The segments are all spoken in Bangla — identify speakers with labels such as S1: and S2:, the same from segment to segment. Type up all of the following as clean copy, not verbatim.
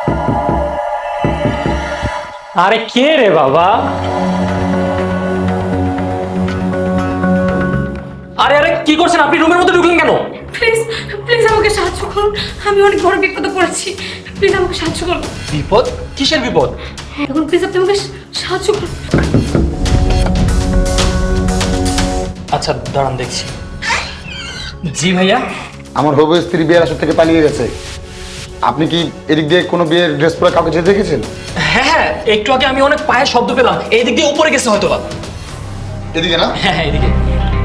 S1: আরে কে রে বাবা? আরে আরে কি করছেন আপনি? রুমের মধ্যে ঢুকলেন কেন?
S2: প্লিজ প্লিজ আমাকে সাহায্য করুন, আমি অনেক বড় বিপদে পড়েছি। প্লিজ আমাকে সাহায্য করুন।
S1: বিপদ? কিসের বিপদ?
S2: এখন প্লিজ আপনি আমাকে সাহায্য করুন।
S1: আচ্ছা দাঁড়ান দেখছি। জি ভাইয়া।
S3: আমার হবু স্ত্রী বিয়ের আসর থেকে পালিয়ে গেছে। আপনি কি এদিক দিয়ে কোনো বিয়ের ড্রেস পরে কাউকে যেতে দেখেছেন?
S1: হ্যাঁ হ্যাঁ, একটু আগে আমি অনেক পায়ের শব্দ পেলাম, এই দিক দিয়ে উপরে গেছে হয়তো বা।
S3: এদিকে না?
S1: হ্যাঁ হ্যাঁ এদিকে।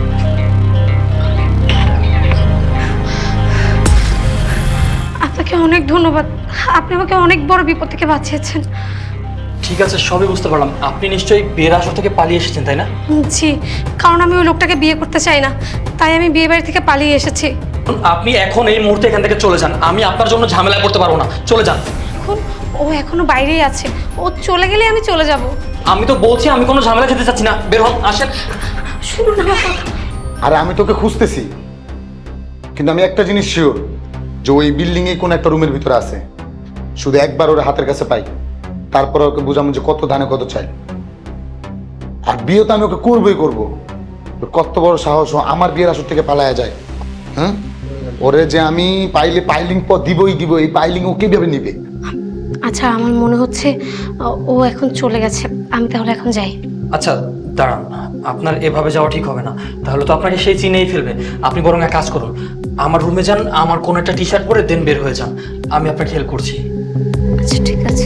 S2: আপনাকে অনেক ধন্যবাদ, আপনি আমাকে অনেক বড় বিপদ থেকে বাঁচিয়েছেন।
S1: ঠিক আছে, সবই বুঝতে পারলাম। আপনি নিশ্চয়ই বিয়ের আসর থেকে পালিয়ে এসেছেন তাই না?
S2: জি, কারণ আমি ওই লোকটাকে বিয়ে করতে চাই না, তাই আমি বিয়ে বাড়ি থেকে পালিয়ে এসেছি।
S1: আপনি এখন এই মুহূর্তে এখান থেকে চলে যান, আমি আপনার জন্য ঝামেলায় পড়তে পারবো না। চলে যান।
S2: এখন ও এখনো বাইরেই আছে, ও চলে গেলে আমি চলে যাব।
S1: আমি তো বলছি আমি কোনো ঝামেলা যেতে চাচ্ছি না, বের হন, আসেন।
S2: শুনুন আমার কথা।
S3: আরে আমি তোকে খুঁজতেছি, কিন্তু আমি একটা জিনিস শিওর যে ওই বিল্ডিং এ কোনো একটা রুমের ভিতরে আছে। শুধু একবার ওর হাতের কাছে পাই, তারপর ওকে বুঝাবো যে কত ধানে কত চাই। আর বিয়ে তো আমি ওকে করবোই করবো। ওর কত বড় সাহস ও আমার বিয়ের আসর থেকে পালায়া যায়। হ্যাঁ, ওরে যে আমি পাইলে পাইলিং পর দিবই দিব, এই পাইলিং ও কিভাবে নিবে?
S2: আচ্ছা আমার মনে হচ্ছে ও এখন চলে গেছে, আমি তাহলে এখন যাই।
S1: আচ্ছা দাঁড়ান, আপনার এভাবে যাওয়া ঠিক হবে না, তাহলে তো আপনাকে সেই চিনেই ফেলবে। আপনি বরং এক কাজ করুন, আমার রুমে যান, আমার কোনো একটা টি শার্ট পরে দেন বের হয়ে যান, আমি আপনাকে হেল্প করছি।
S2: আচ্ছা ঠিক আছে।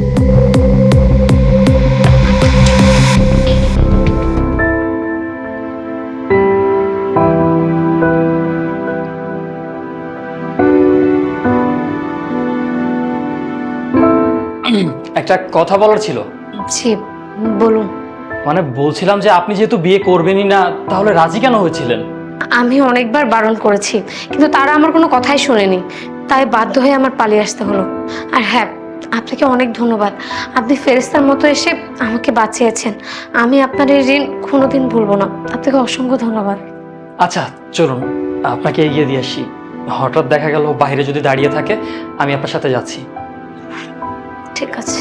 S1: একটা কথা বলার ছিল।
S2: জি বলুন।
S1: মানে বলছিলাম যে আপনি যেহেতু বিয়ে করবেনই না, তাহলে রাজি কেন হয়েছিলেন?
S2: আমি অনেকবার বারণ করেছি, কিন্তু তারা আমার কোনো কথাই শোনেনি, তাই বাধ্য হয়ে আমার পালিয়ে আসতে হলো। আর হ্যাঁ, আপনাকে অনেক ধন্যবাদ, আপনি ফেরেশতার মতো এসে আমাকে বাঁচিয়েছেন। আমি আপনার এই ঋণ কোনোদিন ভুলবো না, আপনাকে অসংখ্য ধন্যবাদ।
S1: আচ্ছা চলুন, আপনাকে এগিয়ে দিয়ে আসি। হঠাৎ দেখা গেল বাইরে যদি দাঁড়িয়ে থাকে, আমি আপনার সাথে যাচ্ছি।
S2: ঠিক আছে।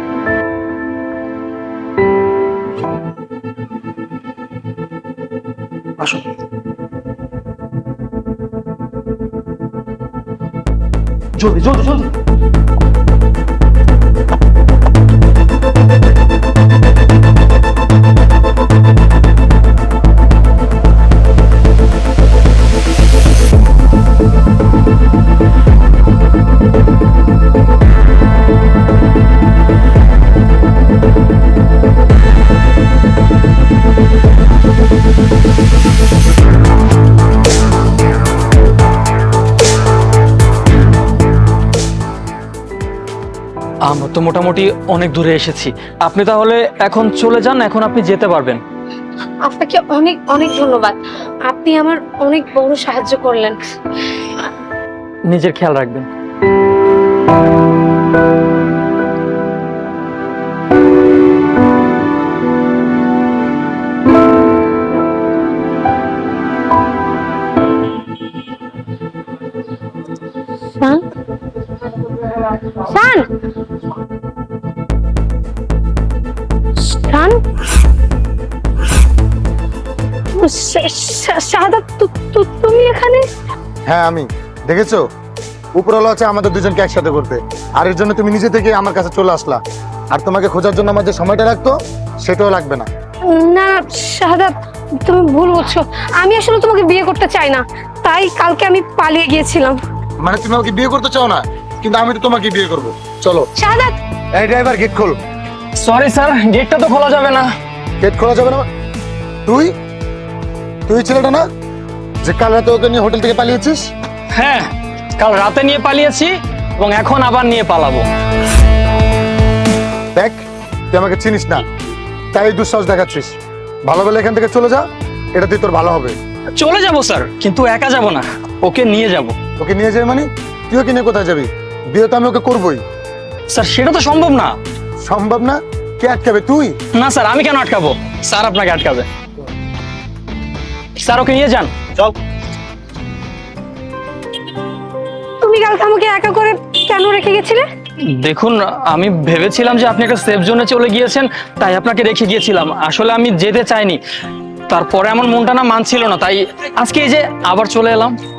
S1: আসুন। জলদি জলদি জলদি। আমরা তো মোটামুটি অনেক দূরে এসেছি, আপনি তাহলে এখন চলে যান, এখন আপনি যেতে পারবেন।
S2: আপনাকে অনেক অনেক ধন্যবাদ, আপনি আমার অনেক বড় সাহায্য করলেন।
S1: নিজের খেয়াল রাখবেন।
S2: শান, শান, শান, শাহাদাত, তুমি এখানে?
S3: হ্যাঁ আমি। দেখেছো, উপরওয়ালা আছে আমাদের দুজনকে একসাথে করতে, আর এর জন্য তুমি নিজে থেকে আমার কাছে চলে আসলা। আর তোমাকে খোঁজার জন্য আমার যে সময়টা লাগতো সেটাও লাগবে না।
S2: না শাহাদাত, তুমি ভুল বুঝছো, আমি আসলে তোমাকে বিয়ে করতে চাই না, তাই কালকে আমি পালিয়ে গিয়েছিলাম।
S3: মানে তুমি আমাকে বিয়ে করতে চাও না, কিন্তু আমি তো তোমাকে বিয়ে করবো। চলো।
S2: শাহাদাত,
S3: এই ড্রাইভার, গেট খোল।
S1: সরি স্যার, গেটটা তো খোলা যাবে না।
S3: গেট খোলা যাবে না? তুই তুই ছেলেটা না যে কাল রাতে ওকে নিয়ে হোটেল থেকে পালিয়েছিস?
S1: হ্যাঁ, কাল রাতে নিয়ে পালিয়েছি এবং এখন আবার নিয়ে পালাবো।
S3: দেখ, তুই আমাকে চিনিস না, তাই দুঃসাহস দেখাচ্ছিস। ভালো বলে এখান থেকে চলে যা, এটা তুই তোর ভালো হবে।
S1: চলে যাব স্যার, কিন্তু একা যাব না, ওকে নিয়ে যাব।
S3: ওকে নিয়ে যাবে মানে? তুই ওকে নিয়ে কোথায় যাবি? বিয়ে তো আমি ওকে করবোই।
S1: স্যার সেটা তো সম্ভব না।
S3: সম্ভব না? কে আটকাবে? তুই?
S1: না স্যার, আমি কেন আটকাবো? স্যার আপনাকে আটকাবে। স্যার ওকে নিয়ে যান। চল।
S2: তুমি কালকে আমাকে একা করে কেন রেখে গেছিলে?
S1: দেখুন, আমি ভেবেছিলাম যে আপনি একটা সেফ জোনে চলে গিয়েছেন, তাই আপনাকে রেখে গিয়েছিলাম। আসলে আমি যেতে চাইনি, তারপরে আমার মনটা না মানছিল না, তাই আজকে এই যে আবার চলে এলাম।